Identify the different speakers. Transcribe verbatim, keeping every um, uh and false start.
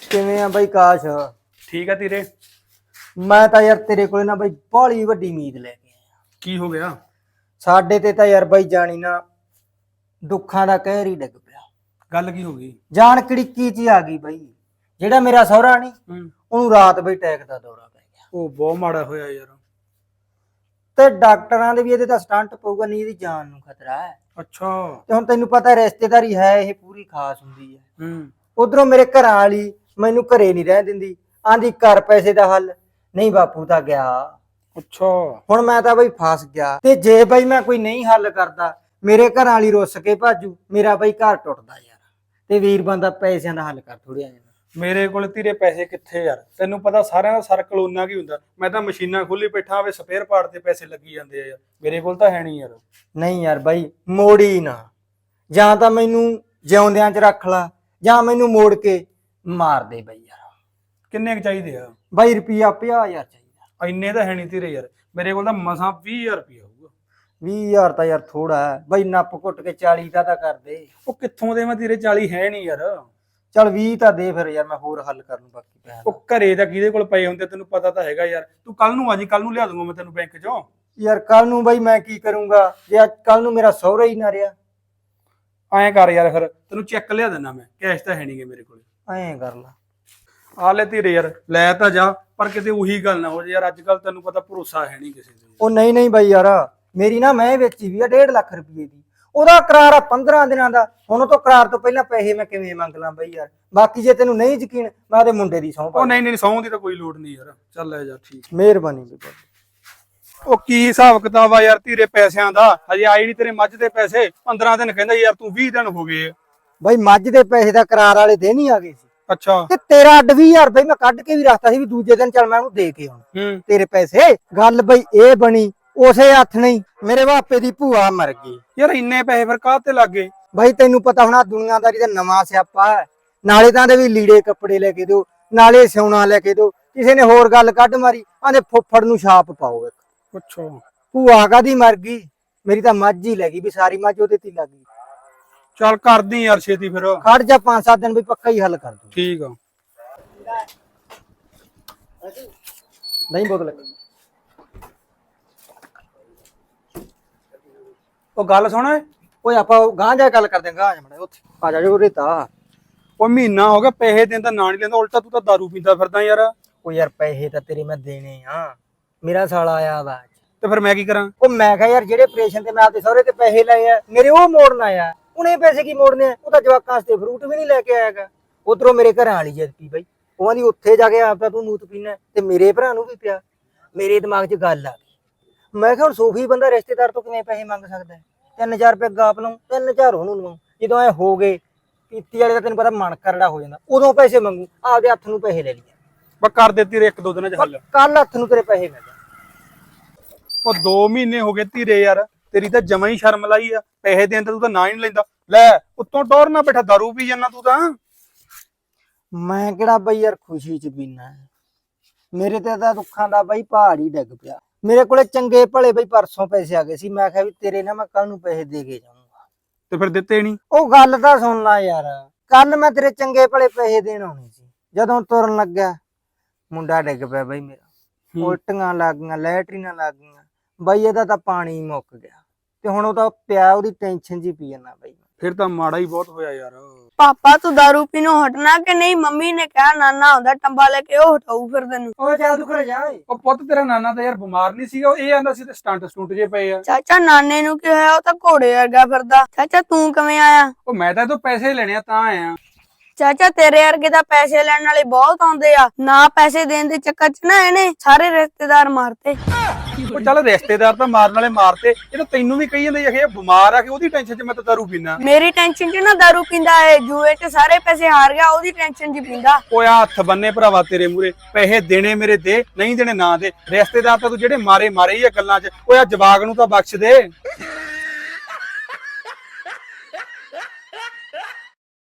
Speaker 1: ਕਿਵੇਂ ਆ ਬਾਈ ਕਾਸ਼?
Speaker 2: ਠੀਕ ਆ ਤੇਰੇ।
Speaker 1: ਮੈਂ ਤਾਂ ਯਾਰ ਤੇਰੇ ਕੋਲੇ ਨਾ ਬਾਈ ਬਾਹਲੀ ਵੱਡੀ ਉਮੀਦ ਲੈ ਕੇ ਆਇਆ।
Speaker 2: ਕੀ ਹੋ ਗਿਆ?
Speaker 1: ਸਾਡੇ ਤੇ ਤਾਂ ਯਾਰ ਬਾਈ ਜਾਣੀ ਨਾ ਦੁੱਖਾਂ ਦਾ ਕਹਿਰ ਹੀ ਡਿੱਗ ਪਿਆ।
Speaker 2: ਗੱਲ ਕੀ ਹੋ ਗਈ?
Speaker 1: ਜਾਣ ਕੜਿੱਕੀ ਚ ਆ ਗਈ ਬਾਈ। ਜਿਹੜਾ ਮੇਰਾ ਸਹੁਰਾ ਨਹੀਂ,
Speaker 2: ਹੂੰ।
Speaker 1: ਉਹਨੂੰ ਰਾਤ ਬਈ ਟੈਕ ਦਾ ਦੌਰਾ ਪੈ ਗਿਆ।
Speaker 2: ਉਹ ਬਹੁਤ ਮਾੜਾ ਹੋਇਆ ਯਾਰ।
Speaker 1: ਤੇ ਡਾਕਟਰਾਂ ਦੇ ਵੀ ਇਹਦੇ ਤਾਂ ਸਟੰਟ ਪਊਗਾ, ਨਹੀਂ ਇਹਦੀ ਜਾਨ ਨੂੰ ਖਤਰਾ ਹੈ।
Speaker 2: ਅੱਛਾ।
Speaker 1: ਤੇ ਹੁਣ ਤੈਨੂੰ ਪਤਾ ਰਿਸ਼ਤੇਦਾਰੀ ਹੈ, ਇਹ ਪੂਰੀ ਖਾਸ ਹੁੰਦੀ ਹੈ।
Speaker 2: ਹੂੰ।
Speaker 1: ਉਧਰੋਂ ਮੇਰੇ ਘਰਾਂ ਵਾਲੀ ਮੈਨੂੰ ਘਰੇ ਨਹੀਂ ਰਹਿ ਦਿੰਦੀ, ਆਂਦੀ ਕਰ ਪੈਸੇ ਦਾ ਹੱਲ ਨਹੀਂ। ਬਾਪੂ ਤਾਂ ਗਿਆ।
Speaker 2: ਅੱਛਾ।
Speaker 1: ਹੁਣ ਮੈਂ ਤਾਂ ਬਈ ਫਸ ਗਿਆ। ਤੇ ਜੇ ਬਈ ਮੈਂ ਕੋਈ ਨਹੀਂ ਹੱਲ ਕਰਦਾ, ਮੇਰੇ ਘਰਾਂ ਵਾਲੀ ਰੁੱਸ ਕੇ ਭਾਜੂ, ਮੇਰਾ ਬਈ ਘਰ ਟੁੱਟਦਾ ਯਾਰ। ਤੇ ਵੀਰ ਬੰਦਾ ਪੈਸਿਆਂ ਦਾ ਹੱਲ ਕਰ ਥੋੜ੍ਹਾ ਜਿਹਾ।
Speaker 2: ਮੇਰੇ ਕੋਲ ਤੇਰੇ ਪੈਸੇ ਕਿੱਥੇ ਯਾਰ? ਤੈਨੂੰ ਪਤਾ ਸਾਰਿਆਂ ਦਾ ਸਰਕਲ ਉਹਨਾਂ ਕੀ ਹੁੰਦਾ। ਮੈਂ ਤਾਂ ਮਸ਼ੀਨਾਂ ਖੋਲੀ ਬੈਠਾ, ਵੇ ਸਪੇਅਰ ਪਾਰਟ ਤੇ ਪੈਸੇ ਲੱਗੀ ਜਾਂਦੇ ਆ ਯਾਰ। ਮੇਰੇ ਕੋਲ ਤਾਂ ਹੈ ਨਹੀਂ ਯਾਰ।
Speaker 1: ਨਹੀਂ ਯਾਰ ਬਾਈ, ਮੋੜੀ ਨਾ। ਜਾਂ ਤਾਂ ਮੈਨੂੰ ਜਿਉਂਦਿਆਂ ਚ ਰੱਖ ਲਾ, ਜਾਂ ਮੈਨੂੰ ਮੋੜ ਕੇ ਮਾਰ ਦੇ ਬਈ ਯਾਰ।
Speaker 2: ਕਿੰਨੇ ਕੁ ਚਾਹੀਦੇ ਆ?
Speaker 1: ਬਾਈ ਰੁਪਿਆ ਪੰਜਾਹ ਹਜ਼ਾਰ ਚਾਹੀਦਾ।
Speaker 2: ਇੰਨੇ ਤਾਂ ਹੈ ਨਹੀਂ ਤੇਰੇ ਯਾਰ। ਮੇਰੇ ਕੋਲ ਤਾਂ ਮਸਾਂ ਵੀਹ ਹਜ਼ਾਰ ਰੁਪਇਆ ਹੋਊਗਾ।
Speaker 1: ਵੀਹ ਹਜ਼ਾਰ ਤਾਂ ਯਾਰ ਥੋੜਾ ਹੈ ਬਾਈ, ਨੱਪ ਘੁੱਟ ਕੇ ਚਾਲੀ ਦਾ ਤਾਂ ਕਰ ਦੇ।
Speaker 2: ਉਹ ਕਿੱਥੋਂ ਦੇ? ਮੈਂ ਤੇਰੇ ਚਾਲੀ ਹੈ ਨਹੀਂ ਯਾਰ।
Speaker 1: ਚੱਲ ਵੀਹ ਤਾਂ ਦੇ ਫਿਰ ਯਾਰ, ਮੈਂ ਹੋਰ ਹੱਲ ਕਰ ਲੂੰ ਬਾਕੀ ਪੈਸੇ।
Speaker 2: ਉਹ ਘਰੇ ਤਾਂ ਕਿਹਦੇ ਕੋਲ ਪਏ ਹੁੰਦੇ ਤੈਨੂੰ ਪਤਾ ਤਾਂ ਹੈਗਾ ਯਾਰ। ਤੂੰ ਕੱਲ ਨੂੰ ਆ ਜੀ, ਕੱਲ ਨੂੰ ਲਿਆ ਦੂੰਗਾ ਮੈਂ ਤੈਨੂੰ ਬੈਂਕ ਚੋਂ।
Speaker 1: ਯਾਰ ਕੱਲ ਨੂੰ ਬਾਈ ਮੈਂ ਕੀ ਕਰੂੰਗਾ ਜੇ ਅੱਜ ਕੱਲ ਨੂੰ ਮੇਰਾ ਸਹੁਰਾ ਹੀ ਨਾ ਰਿਹਾ।
Speaker 2: ਐਂ ਕਰ ਯਾਰ, ਫਿਰ ਤੈਨੂੰ ਚੈੱਕ ਲਿਆ ਦਿੰਦਾ ਮੈਂ। ਕੈਸ਼ ਤਾਂ ਹੈ ਨਹੀਂਗੇ ਮੇਰੇ ਕੋਲ।
Speaker 1: ਐਂ ਕਰ ਲਾ।
Speaker 2: ਆ ਲੈ ਧੀਰੇ ਯਾਰ, ਲੈ ਤਾਂ ਜਾ, ਪਰ ਕਿਤੇ ਉਹੀ ਗੱਲ ਨਾ ਹੋ ਜੇ ਯਾਰ। ਅੱਜ ਕੱਲ ਤੈਨੂੰ ਪਤਾ ਭਰੋਸਾ ਹੈ ਨਹੀਂ ਕਿਸੇ ਤੇ।
Speaker 1: ਉਹ ਨਹੀਂ ਨਹੀਂ ਬਾਈ ਯਾਰ, ਮੇਰੀ ਨਾ ਮੈਂ ਵੇਚੀ ਵੀ ਆ ਡੇਢ ਲੱਖ ਰੁਪਏ ਦੀ। ਉਹਦਾ ਕਰਾਰ ਆ ਪੰਦਰਾਂ ਦਿਨਾਂ ਦਾ। ਹੁਣ ਉਹ ਤੋਂ ਕਰਾਰ ਤੋਂ ਪਹਿਲਾਂ ਪੈਸੇ ਮੈਂ ਕਿਵੇਂ ਮੰਗ ਲਾਂ ਬਾਈ ਯਾਰ? ਬਾਕੀ ਜੇ ਤੈਨੂੰ ਨਹੀਂ ਯਕੀਨ, ਮੈਂ ਉਹਦੇ ਮੁੰਡੇ ਦੀ ਸਹੁੰ ਪਾ।
Speaker 2: ਉਹ ਨਹੀਂ ਨਹੀਂ, ਸਹੁੰ ਦੀ ਤਾਂ ਕੋਈ ਲੋੜ ਨਹੀਂ ਯਾਰ। ਚੱਲ ਲੈ ਜਾ, ਠੀਕ।
Speaker 1: ਮਿਹਰਬਾਨੀ ਬਈ।
Speaker 2: ਉਹ ਕੀ ਹਿਸਾਬ ਕਿਤਾਬ ਆ ਯਾਰ ਧੀਰੇ ਪੈਸਿਆਂ ਦਾ? ਹਜੇ ਆਈ ਨਹੀਂ ਤੇਰੇ ਮੱਝ ਦੇ ਪੈਸੇ। ਪੰਦਰਾਂ ਦਿਨ ਕਹਿੰਦਾ ਯਾਰ, ਤੂੰ ਵੀਹ ਦਿਨ ਹੋ ਗਏ।
Speaker 1: ਬਾਈ ਮੱਝ ਦੇ ਪੈਸੇ ਦਾ ਕਰਾਰ ਵਾਲੇ ਦਿਨ ਹੀ ਆ ਗਏ ਸੀ।
Speaker 2: ਅੱਛਾ।
Speaker 1: ਤੇ ਤੇਰਾ ਅੱਡ ਵੀਹ ਹਜ਼ਾਰ ਬਈ ਮੈਂ ਕੱਢ ਕੇ ਵੀ ਰੱਖਤਾ ਸੀ ਵੀ ਦੂਜੇ ਦਿਨ ਚੱਲ ਮੈਂ ਉਹਨੂੰ ਦੇ ਕੇ ਆਉਣਾ
Speaker 2: ਹੂੰ।
Speaker 1: ਤੇਰੇ ਪੈਸੇ। ਗੱਲ ਬਈ ਇਹ ਬਣੀ ਉਸੇ ਹੱਥ ਨਹੀਂ, ਮੇਰੇ ਬਾਪੇ ਦੀ ਭੂਆ ਮਰ ਗਈ।
Speaker 2: ਯਾਰ ਇੰਨੇ ਪੈਸੇ ਫਿਰ ਕਾਹ ਤੇ ਲੱਗ ਗਏ?
Speaker 1: ਬਾਈ ਤੈਨੂੰ ਪਤਾ ਹੋਣਾ ਦੁਨੀਆਦਾਰੀ ਦਾ ਨਵਾਂ ਸਿਆਪਾ ਹੈ। ਨਾਲੇ ਤਾਂ ਦੇ ਵੀ ਲੀੜੇ ਕੱਪੜੇ ਲੈ ਕੇ ਦਿਓ, ਨਾਲੇ ਸਿਉਣਾ ਲੈ ਕੇ ਦਿਓ। ਕਿਸੇ ਨੇ ਹੋਰ ਗੱਲ ਕੱਢ ਮਾਰੀ, ਆਂਦੇ ਫੁੱਫੜ ਨੂੰ ਛਾਪ ਪਾਓ ਇੱਕ।
Speaker 2: ਅੱਛਾ।
Speaker 1: ਭੂਆ ਕਾਦੀ ਮਰ ਗਈ? ਮੇਰੀ ਤਾਂ ਮੱਝ ਹੀ ਲੈ ਗਈ ਵੀ, ਸਾਰੀ ਮੱਝ ਉਹਦੇ ਤੇ ਲੱਗ ਗਈ।
Speaker 2: ਚੱਲ ਕਰਦੀ ਯਾਰ ਛੇਤੀ ਫਿਰ।
Speaker 1: ਖੜ ਜਾ ਪੰਜ ਸੱਤ ਦਿਨ ਵੀ ਪੱਕਾ ਹੀ ਹੱਲ ਕਰ ਦੂੰ।
Speaker 2: ਠੀਕ ਆ।
Speaker 1: ਨਹੀਂ ਬੋਤਲ।
Speaker 2: ਉਹ ਗੱਲ ਸੁਣ।
Speaker 1: ਓਏ ਆਪਾਂ ਗਾਂ ਜਾ ਗੱਲ ਕਰਦੇ ਆਂ, ਗਾਂ ਜਾ ਮੜਾ ਉੱਥੇ ਆ ਜਾ ਜੋ ਰੇਤਾ।
Speaker 2: ਉਹ ਮਹੀਨਾ ਹੋ ਗਿਆ ਪੈਸੇ ਦੇਣ ਦਾ ਨਾਂ ਨਹੀਂ ਲੈਂਦਾ, ਉਲਟਾ ਤੂੰ ਤਾਂ ਦਾਰੂ ਪੀਂਦਾ ਫਿਰਦਾ ਯਾਰ।
Speaker 1: ਉਹ ਯਾਰ ਪੈਸੇ ਤਾਂ ਤੇਰੇ ਮੈਂ ਦੇਣੇ ਆ। ਮੇਰਾ ਸਾਲਾ ਆਇਆ ਵਾ।
Speaker 2: ਤੇ ਫਿਰ ਮੈਂ ਕੀ ਕਰਾਂ?
Speaker 1: ਉਹ ਮੈਂ ਕਿਹਾ ਯਾਰ ਜਿਹੜੇ ਆਪਰੇਸ਼ਨ ਤੇ ਮੈਂ ਆਪਦੇ ਸਹੁਰੇ ਤੇ ਪੈਸੇ ਲਏ ਆ, ਮੇਰੇ ਉਹ ਮੋੜਨ ਆਇਆ। ਉਹਨੇ ਪੈਸੇ ਕੀ ਮੋੜਨੇ ਆ? ਉਹ ਤਾਂ ਜਵਾਕਾਂ ਵਾਸਤੇ ਫਰੂਟ ਵੀ ਨਹੀਂ ਲੈ ਕੇ ਆਇਆਗਾ। ਉਧਰੋਂ ਮੇਰੇ ਘਰਾਂ ਵਾਲੀ ਜਿੱਦ ਪੀ ਬਈ, ਉਹ ਆਂਦੀ ਉੱਥੇ ਜਾ ਕੇ ਆਪ ਤਾਂ ਤੂੰ ਮੂਤ ਪੀਣਾ, ਤੇ ਮੇਰੇ ਭਰਾ ਨੂੰ ਵੀ ਪਿਆ। ਮੇਰੇ ਦਿਮਾਗ 'ਚ ਗੱਲ ਆ ਗਈ। ਮੈਂ ਕਿਹਾ ਹੁਣ ਸੂਫੀ ਬੰਦਾ ਰਿਸ਼ਤੇਦਾਰ ਤੋਂ ਕਿਵੇਂ ਪੈਸੇ ਮੰਗ ਸਕਦਾ? ਤਿੰਨ ਹਜ਼ਾਰ ਰੁਪਏ ਗਾਪ ਲਵਾਂ, ਤਿੰਨ ਹਜ਼ਾਰ ਉਹਨੂੰ ਲਵਾਂ। ਜਦੋਂ ਐ ਹੋ ਗਏ ਪੀਤੀ ਵਾਲੇ ਦਾ ਤੈਨੂੰ ਪਤਾ ਮਨ ਕਰੜਾ ਹੋ ਜਾਂਦਾ, ਉਦੋਂ ਪੈਸੇ ਮੰਗੂ। ਆਪਦੇ ਹੱਥ ਨੂੰ ਪੈਸੇ ਲੈ ਲਈਏ।
Speaker 2: ਬਸ ਕਰ ਦੇ ਤੇਰੇ ਇੱਕ ਦੋ ਦਿਨਾਂ 'ਚ ਹੱਲ।
Speaker 1: ਕੱਲ ਹੱਥ ਨੂੰ ਤੇਰੇ ਪੈਸੇ ਮਿਲ ਜਾਣ।
Speaker 2: ਉਹ ਦੋ ਮਹੀਨੇ ਹੋ ਗਏ ਧੀਰੇ ਯਾਰ, ਤੇਰੀ ਤਾਂ ਜਮਾਂ ਹੀ ਸ਼ਰਮ ਲਾਈ ਆ। ਪੈਸੇ ਦੇਣ ਤੇ ਤੂੰ ਤਾਂ ਨਾਂ ਹੀ ਨਹੀਂ ਲੈਂਦਾ। ਲੈ ਉੱਤੋਂ ਟੌਰ ਨਾ ਬੈਠਾ ਦਾਰੂ ਪੀ ਜਾਂਦਾ ਤੂੰ ਤਾਂ।
Speaker 1: ਮੈਂ ਕਿਹੜਾ ਬਈ ਯਾਰ ਖੁਸ਼ੀ 'ਚ ਪੀਣਾ? ਮੇਰੇ ਤੇ ਤਾਂ ਦੁੱਖਾਂ ਦਾ ਬਈ ਪਹਾੜ ਹੀ ਡਿੱਗ ਪਿਆ। ਮੇਰੇ ਕੋਲੇ ਚੰਗੇ ਭਲੇ ਬਈ ਪਰਸੋਂ ਪੈਸੇ ਆ ਗਏ ਸੀ। ਮੈਂ ਕਿਹਾ ਵੀ ਤੇਰੇ ਨਾਲ ਮੈਂ ਕੱਲ ਨੂੰ ਪੈਸੇ ਦੇ ਕੇ ਜਾਊਂਗਾ।
Speaker 2: ਤੇ ਫਿਰ ਦਿੱਤੇ ਨਹੀਂ?
Speaker 1: ਉਹ ਗੱਲ ਤਾਂ ਸੁਣ ਲੈ ਯਾਰ, ਕੱਲ ਮੈਂ ਤੇਰੇ ਚੰਗੇ ਭਲੇ ਪੈਸੇ ਦੇਣ ਆਉਣੇ ਸੀ। ਜਦੋਂ ਤੁਰਨ ਲੱਗਿਆ ਮੁੰਡਾ ਡਿੱਗ ਪਿਆ ਬਈ ਮੇਰਾ। ਉਲਟੀਆਂ ਲੱਗ ਗਈਆਂ, ਲੈਟਰੀਨਾਂ ਲੱਗ ਗਈਆਂ ਬਈ। ਇਹਦਾ ਤਾਂ ਪਾਣੀ ਮੁੱਕ ਗਿਆ। ਤੇ ਹੁਣ ਉਹ ਤਾਂ ਪਿਆ, ਉਹਦੀ ਟੈਨਸ਼ਨ ਜੀ ਪੀ ਜਾਂਦਾ ਬਈ।
Speaker 2: ਫਿਰ ਤਾਂ ਮਾੜਾ ਹੀ ਬਹੁਤ ਹੋਇਆ ਯਾਰ।
Speaker 3: ਪਾਪਾ ਤੂੰ ਦਾਰੂ ਪੀਣੋਂ ਹਟਣਾ ਕਿ ਨਹੀਂ? ਮੰਮੀ ਨੇ ਕਿਹਾ ਨਾਨਾ ਆਉਂਦਾ ਟੰਬਾ ਲੈ ਕੇ, ਉਹ ਹਟਾਊ ਫਿਰ ਤੈਨੂੰ।
Speaker 1: ਉਹ ਚੱਲ ਤੂੰ ਘਰੇ ਜਾ ਓਏ।
Speaker 2: ਉਹ ਪੁੱਤ ਤੇਰਾ ਨਾਨਾ ਤਾਂ ਯਾਰ ਬਿਮਾਰ ਨਹੀਂ ਸੀਗਾ? ਇਹ ਆਂਦਾ ਸੀ ਤੇ ਸਟੰਟ ਸਟੂਟ ਜੇ ਪਏ ਆ।
Speaker 3: ਚਾਚਾ ਨਾਨੇ ਨੂੰ ਕੀ ਹੋਇਆ? ਉਹ ਤਾਂ ਘੋੜੇ ਵਰਗਾ ਫਿਰਦਾ। ਚਾਚਾ ਤੂੰ ਕਿਵੇਂ ਆਇਆ?
Speaker 2: ਉਹ ਮੈਂ ਤਾਂ ਤੂੰ ਪੈਸੇ ਲੈਣੇ ਆ ਤਾਂ ਆਇਆ।
Speaker 3: ਚਾਚਾ ਤੇਰੇ ਵਰਗੇ ਤਾਂ ਪੈਸੇ ਲੈਣ ਵਾਲੇ ਬਹੁਤ ਆਉਂਦੇ ਆ। ਨਾ ਪੈਸੇ ਦੇਣ ਦੇ ਚੱਕਰ 'ਚ ਨਾ ਇਹਨੇ ਸਾਰੇ ਰਿਸ਼ਤੇਦਾਰ ਮਾਰਤੇ।
Speaker 2: ਉਹ ਚੱਲ ਰਿਸ਼ਤੇਦਾਰ ਤਾਂ ਮਾਰਨ ਵਾਲੇ ਮਾਰਤੇ, ਇਹ ਤਾਂ ਤੈਨੂੰ ਵੀ ਕਹੀ ਜਾਂਦੇ ਇਹ ਬਿਮਾਰ ਆ ਕਿ ਉਹਦੀ ਟੈਨਸ਼ਨ 'ਚ ਮੈਂ ਤਾਂ ਦਾਰੂ ਪੀਣਾ।
Speaker 3: ਮੇਰੀ ਟੈਨਸ਼ਨ 'ਚ ਨਾ ਦਾਰੂ ਪੀਂਦਾ ਏ, ਜੂਏ 'ਚ ਸਾਰੇ ਪੈਸੇ ਹਾਰ ਗਿਆ, ਉਹਦੀ ਟੈਨਸ਼ਨ 'ਚ ਪੀਂਦਾ।
Speaker 2: ਓਏ ਆ ਹੱਥ ਬੰਨੇ ਭਰਾਵਾ ਤੇਰੇ ਮੂਰੇ। ਪੈਸੇ ਦੇਣੇ ਮੇਰੇ ਦੇ, ਨਹੀਂ ਦੇਣੇ ਨਾ ਦੇ। ਰਿਸ਼ਤੇਦਾਰ ਤਾਂ ਤੂੰ ਜਿਹੜੇ ਮਾਰੇ ਮਾਰੇ ਹੀ ਆ ਗੱਲਾਂ 'ਚ। ਓਏ ਆ ਜਵਾਗ ਨੂੰ ਤਾਂ ਬਖਸ਼ ਦੇ।